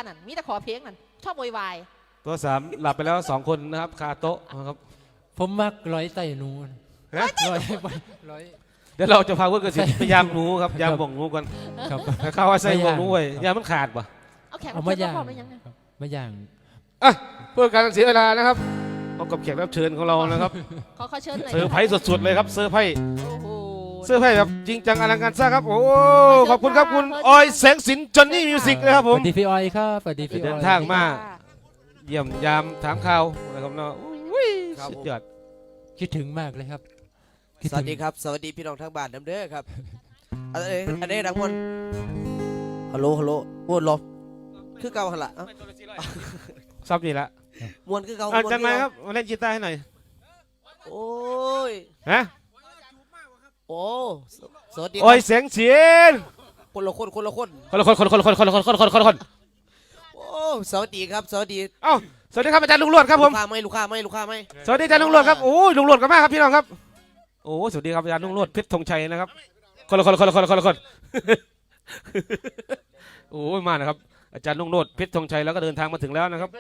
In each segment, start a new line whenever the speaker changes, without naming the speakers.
นั่นมีแต่ขอเพลงนั่นชอบโวยวาย
ตัวสามหลับไปแล้ว2 คนนะครับคาโต๊ะนะครับ
ผมมักร้อยไต่หนูร้อย
เดี๋ยวเราจะพาเพื่อนกันสิพยายามหนูครับยามบ่งหนูกัน
ครับ
ข้าวว่าใส่บ่งหนูไว้ยามมันขาดป่ะ
เอาแขก
เอา
รับ
มา
เชิญ
ย่าง
พร้อมได้ยังไง
มาย่าง
อ่ะเพื่อการเสียเวลานะครับพบกับแขกรับเชิญของเรานะครับ
ขอเชิญหน่อย
เซอร์ไพรส์สุดๆเลยครับเซอร์ไพรส์
โอ้โห
เซอร์ไพรส์แบบจริงจังอลังการสร้างครับโอ้ขอบคุณครับคุณออยแสงสินจอนนี่มิวสิกนะครับ
ส
ผม
วัสดีพี่ออยครับสวัสดีพี่อ
เดิ
อน ย
ทางมา เยี่ยมยามถามข่าวนะครับเนาะอุ้ยสุดยอด
คิดถึงมากเลยครับ
สวัสดีครับสวัสดีพี่น้องทางบ้านเด้อครับอันนี้ดังมวนฮัลโหลมวนลมคือเก่าหันละ
ซับนี่ละ
มวนคือเก่า
จันไหมครับมาเล่นกีตาร์ให้หน่อย
โอ้ย
ฮะ
โอ้สวัสดี
ออยแสงสิน
คนละคน
คนละคน
โอ้สวัสดีครับสวัสดี
เอ้าสวัสดีครับอาจารย์ลุงหลวดครับผม
ลูกค้าไหม
สวัสดีอาจารย์ลุงหลวดครับโอ้ยลุงหลวดกันมากครับพี่น้องครับโอ้สวัสดีครับอาจารย์ลุงหลวดเพชรธงชัยนะครับคนละคนโอ้ยมานะครับอาจารย์ลุงหลวดเพชรธงชัยแล้วก็เดินทางมาถึงแล้วนะครับ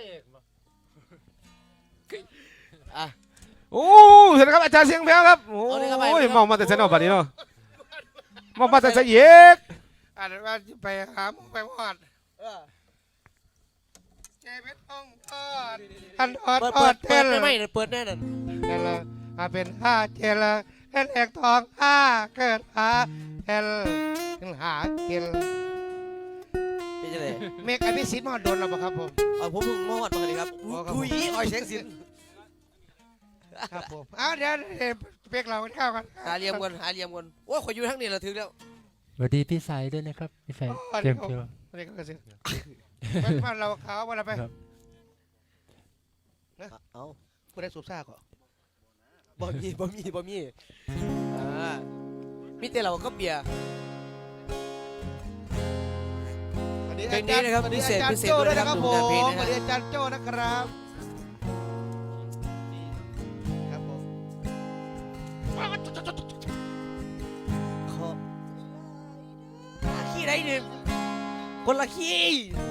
อ่ะ
โอ้สวัสดีครับอาจารย์เสียงแพ้วครับโอ้ยมองมาแต่เซนอบัดนี้เนาะมองมาแต่เสยก
อ่านว่าไปหาหมูไปหอดเจเป็นต้องทอดทันทอดทอดเท
เปิด
ล
ได้ไหมเปิดแน่นอน
เทลเป็นห้าเทลเล่นเอกทองห้าเกิดหาเทลถึงหาเกล
เป็นยังไง
เมฆอภิสิทธิ์มอดโดนเราปะครับผม
ผมเพิ่งมอดมาเลยครับคุยออยแสงสิน
ครับผมอ้าวเดี๋ยวเปียกเรากันข้าวกัน
หาเลียมกันโอ้ยขออยู่ทั้งนี้เราถึงแล้ว
สวัสดีพี่สายด้วยนะครับพี่สายเจียมเจียว
เรียกกันสิบ้านเราขาววันละไป
เอา
ผู้ได้สูบซ่าก่อน
บ่มีมีแต่เราก็เบียร์ เพลงนี้นะครับพิเศษด้วยนะครับ
ผม
ดูแต่เพลงนะ
ส
ฮะ
วัสดีอาจารย์โจ้นะครับครับผม
ขอขี้ได้หนึ่งคนละขี้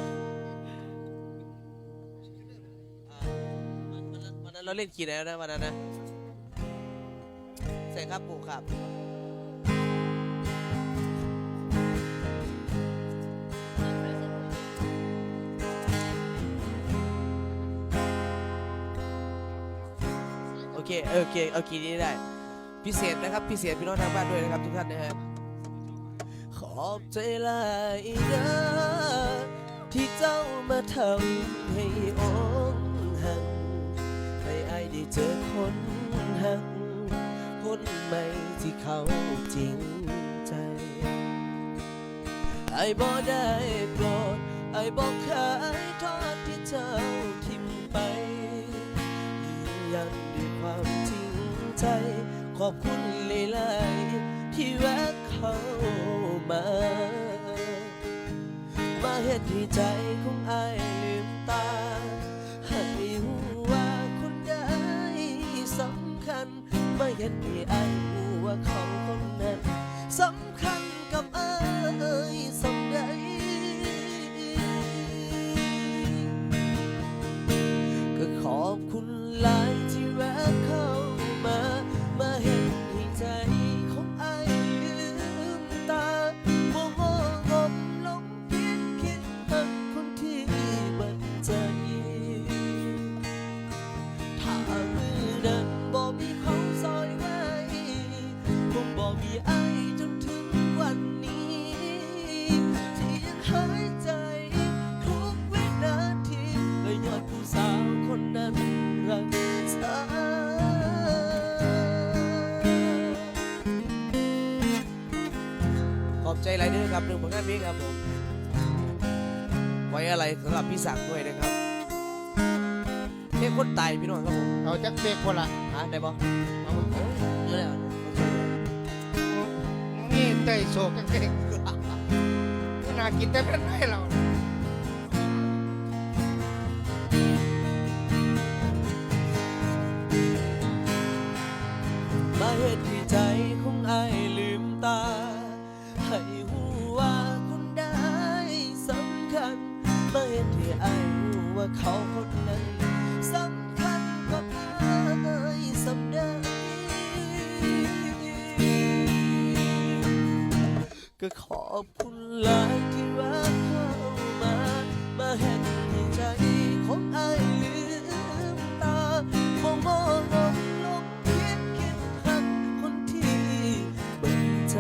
วันนั้นเราเล่นขี้แล้วนะวันนั้นนะใส่ครับปูครับโอเคเอาขี้นี้ได้พิเศษนะครับพิเศษพี่น้องทางบ้านด้วยนะครับทุกท่านนะฮะขอบใจหลายเด้อที่เจ้ามาทำให้องหักให้อายได้เจอคนหักคนใหม่ที่เขาจริงใจอายบ่ได้โกรธอายบ่เคยทอดที่เจ้าทิมไปยืนยันด้วยความจริงใจขอบคุณหลายๆที่แวะเข้ามาเฮ็ดให้ใจของอายลืมตาให้หูว่าคนใดสำคัญมาเฮ็ดให้อายหูว่าเขาคนนั้นสำคัญกับอายสำใดก็ขอบคุณหลายที่แวะเข้ามาเฮ็ดให้ใจของอายลืมตาบ่งมลงคิดหักคนที่บัดใจถ้ามือนั้นบ่มีเขาซอยไว้คงบ่มีอายจนถึงวันนี้ที่ยังหายใจทุกวินาทีและยอดผู้สาวคนนั้นรักษาขอบใจหลายเด้อครับหนึ่งผลงานเพลงครับผมไว้อะไรสำหรับพี่ศักดิ์ด้วยนะครับเพลงคนตายพี่น้องครับผม
เอาจักเปียกคนละ
ได้ปะเอาเยอะแล้ว
นี่เตยโศกจังเก่งน่ากินแต่เป็นไรเรา
มาเฮ็ดให้ใจของอายลืมตาให้หูว่าคนใดสำคัญมาเฮ็ดให้อายรู้ว่าเขาคนนั้นสำคัญกับอายสำได้ก็ขอบคุณหลายที่รักเข้ามาเห็นให้ใจของอายลืมตาขอมองลงคิดหักคนที่เบิ่งใจ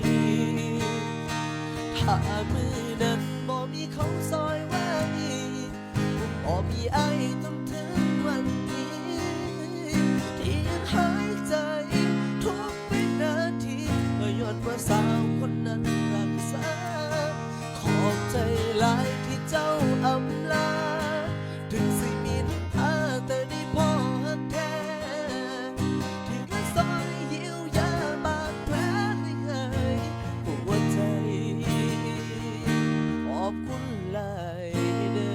ถ้ามือนั้นบ่มีเขาซอยไว้บ่มีอายจนถึงวันนี้ที่ยังหายใจทุกวินาทีก็ย้อนว่าสาวคนนั้นรักษาขอบใจหลายที่เจ้าอำลาถึงสิมีน้ำตาแต่ได้พอแท้ที่มาซอยเยียวยาบาดแผลให้หายหัวใจขอบคุณหลายเด้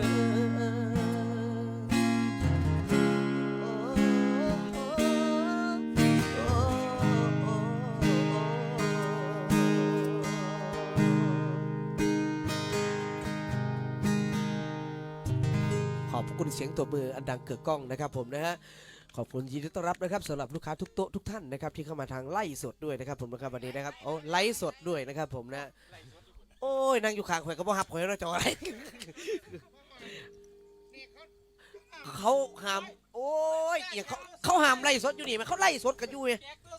ขอบคุณเสียงตัวมืออันดังเกิดกล้องนะครับผมนะฮะขอบคุณยินดีต้อนรับนะครับสำหรับลูกค้าทุกโต๊ะทุกท่านนะครับที่เข้ามาทางไล่สดด้วยนะครับผมนะครับวันนี้นะครับเอาไล่สดด้วยนะครับผมนะโอ้ยนั่งอยู่ข้างข่อยก็บ่ฮับข่อยเราจะอะไรเขาห้ามโอ้ยเขาห้ามไล่สดอยู่นี่มันเขาไล่สดกันอยู่ไง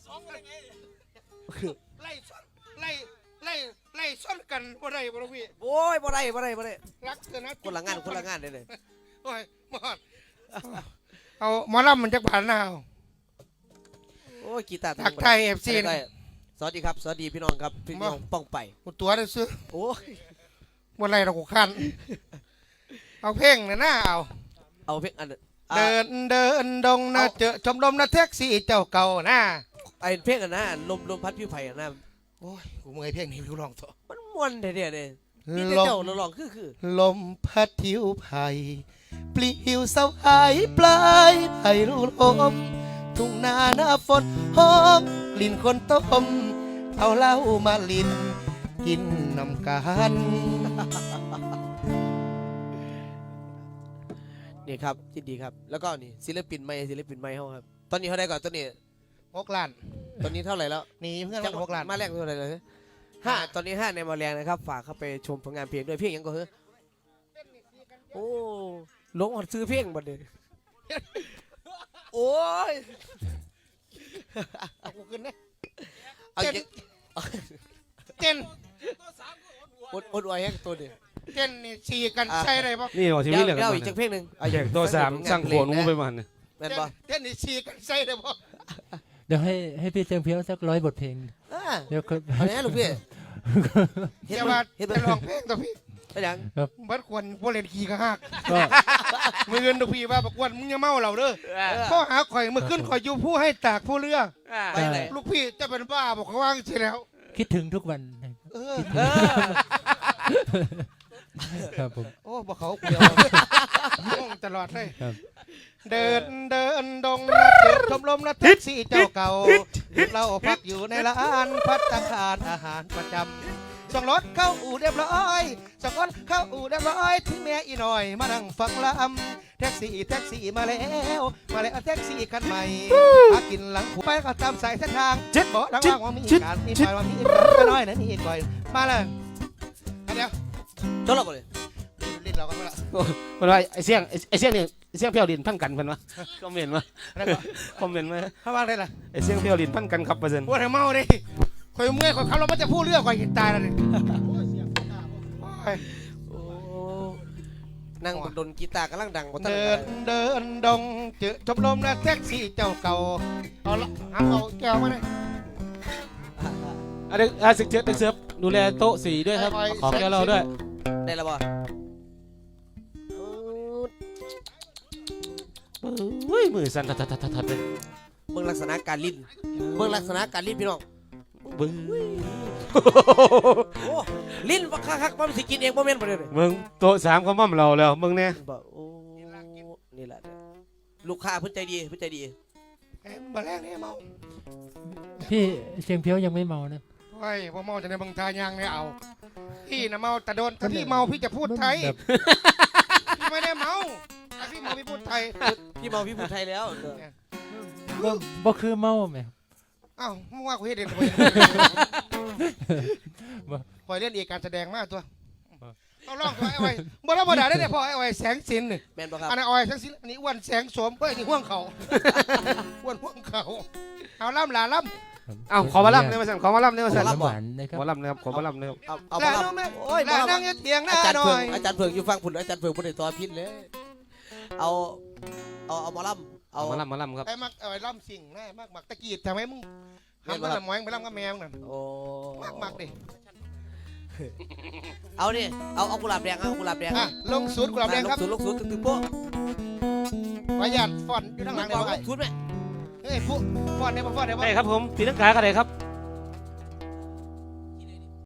ไล่ซ้อนไล่ซ้อนกันบ่ได้บ่พี่
โอ้ยบ่ได้
รักกันนะ
คนละงานเลย
โอ้ยหมอดเอาหมอลำมันจักผ่านหน้าเอา
โอ้ยกีตาร์
ทักทาย FC
ได้สวัสดีครับสวัสดีพี่น้องครับพี่น้องป้องไป
กูตัวได้ซื้อ
โอ้ย
บ่ไรเรากูคันเอาเพลงนะเอา
เอาเพลงอัน
เดินดงนะเจอชมรมนะแท็กซี่เจ้าเก่านะ
ไอ้เพลงอันนั้นลมพัดผิวไผ่อันนั้น
โอ้ยกูเมื่อยเพลงนี้กูร้องต่อ
มันม่วนแท้ๆเลยมีแต่เจ้าร้องคือ
ลมพัดทิวไผ่ปลิวเศร้าหายปลายไผ่รูลมทุ่งนาหน้าฝนหอมกลิ่นคนต้มเอาเหล้ามาลินกินนำกัน
นี่ครับยินดีครับแล้วก็นี่ศิลปินใหม่เฮาครับตอนนี้เท่าไหร่ก่อนตอนนี้
6 ล้าน
ตอนนี้เท่าไหร่แล้ว
นี่เพื่อนมัน6 ล้าน
มาแรกเท่าไหร่เลย5ตอนนี้5ในมาแรงนะครับฝากเข้าไปชมผลงานเพลงด้วยเพลงยังก็เฮ้อโอ้ลงอดซื้อเพลงบัดนี้โอ้ย
เอากูขึ้นนะ
เอาอีก
เต้น
อดไว้ให้ตัวนี้
เต้นนี่ฉีกันใช่เลยป่ะ
นี่บอกชีวิตเลย
เดี๋ยวอีกจักเพลงหนึง
แจกตัวสามสั่งขวนูไปมัน
แม่นบ่
เต้นนี่ฉีกันใช่เลยป่ะ
เดี๋ยวให้พี่เสียงเพียวสัก100 บทเพลง เดี๋ยวครับ
อันนี้ลูกพี่
เดี๋ยวมาจะลองเพลงตัวพี่
ไปยัง
บัดควรพวกเล่นขี่กระหัก
ก็
มือเงินตัวพี่ว่าบักวันมึงอย่าเมาเราเด้อข้อหาข่อยมือขึ้นข่อยอยู่ผู้ให้ตากผู้เรือ
ไปไหน
ลูกพี่จะเป็นบ้าบอกเขาว่างใช่แล้ว
คิดถึงทุกวัน
เออ
ครับผม
โอ้บอกเขาเกี่ยวง่วงตลอดเลย
ครับ
เดินดงนะเจอชมรมนะแท็กซี่เจ้าเก่าเราพักอยู่ในร้านภัตตาคารอาหารประจำส่งรถเข้าอู่เรียบร้อยส่งรถเข้าอู่เรียบร้อยถึงแม่อีหน่อยมานั่งฟังลำแท็กซี่มาแล้วแท็กซี่คันใหม่หากินหลังผูไปก็ตามสายเส้นทางบอกดังว่ามีการมีไปว่ามีการน้อยนะนี่ก่อยมาเลยเดี๋ยว
จบแล้วบ่เลย
ลิ้นเรากันมาละ
มันว่าไอ้เสียงนี่เสียงเพียวลินพันกันเพิ่นวะคอมเมนต์มา
แล้วก็
คอมเมนต์มา
เข้าบ้างได้ละ
ไอ้เสียงเพียวลินพันกันครับเปอร์เซ็นต์
ว่าทำเมาดิข่อยเมื่อยข่อยขับรถมันจะพูดเรื่องข่อยตายแล้วดิ
โอ้นั่งบนดนกีตาร์กำลังดังบ่ทัน
เดินดงเจอชมรมนะแท็กซี่เจ้าเก่าเอาละเอาแก้วมาเลย
เด็กศึกเสิร์ฟดูแลโต๊ะสีด้วยครับขอแก้วเราด้วย
ได้แล้วบ่
เฮ้ยมือสั่นทัดเลย
เบิ่งลักษณะการลิ้นพี่น้อง
บึ้ง
โอ้ลิ้นว่าคักๆมันสิกินเองบ่แม่นบ่เด้อ
มึงโต๊ะ3เขามั่มเราแล้วมึงเนี่ย
บ่โอ้นี่แหละลูกค้าเพิ่นใจดี
มาแรกนี่เมา
พี่เสียงเพียวยังไม่เมานะ
เฮ้ยพอเมาจะในบางทายางเนี่ยเอาพี่นะเมาแต่โดนถ้าพี่เมาพี่จะพูดไทย
แบบ
ไทย
พี่เมาพี่พูดไทยแล้ว
บ่คือเมาแม่
อ้าวมึงว่ากูเฮ็ดเองคอยเล่นเอกการแสดงมากตัวเอาล่องตัวไอ้ไว้บ่ธรรมดาได้เนี่ยพ่อไอ้ไว้แสงสินนี่
แมนปะครับ
อันนั้นอ้อยแสงสินอันนี้อ้วนแสงโสมเฮ้ยนี่ห่วงเขาอ้วนห่วงเขาเอาล่ำหลาล่ำ
เอ้าขอมาล่ำเนี่ยมาสั่นขอมาล่ำเนี่ยมาสั่น
หวานนะครับ
ขอล่ำนะครับขอมาล่ำนะครับ
เอา
หลา
มา
น้องแม่
โอ้ย
หลานั่งอยู่เตียงหน้า
อาจารย์
หน่
เผื
อ
อง
ย
อาจารย์เผืองอยู่ฟังผุนอาจารย์เผืองผุนในตัวพิษเลยเอาหมอลำเอา
มาล่ำมาล่ำครับ
ไอ้มักเอาไอ้ล่ำสิ่งนะมักตะกี้ทำไมมึงทำมันละหมอยไปล่ำกับแมวนั่น
โอ้
มักดิ
เอานี่เอากุหลาบแดงเอากุหลาบแดง
อ่ะลงศูนย์กุหลาบแดงครับ
ลงศูนย์ตึงๆโป๊ะ
ประหยัดฟอนต์อยู่ข้างหลังเดี๋ยว
ล
ไอ้
งศูนย์ไหม
เฮ้ยผู้ฟอนต์เนี่ยบ่ฟอนต์เนี่ยบ่
ได้ครับผมตีลังกาก็ได้ครับ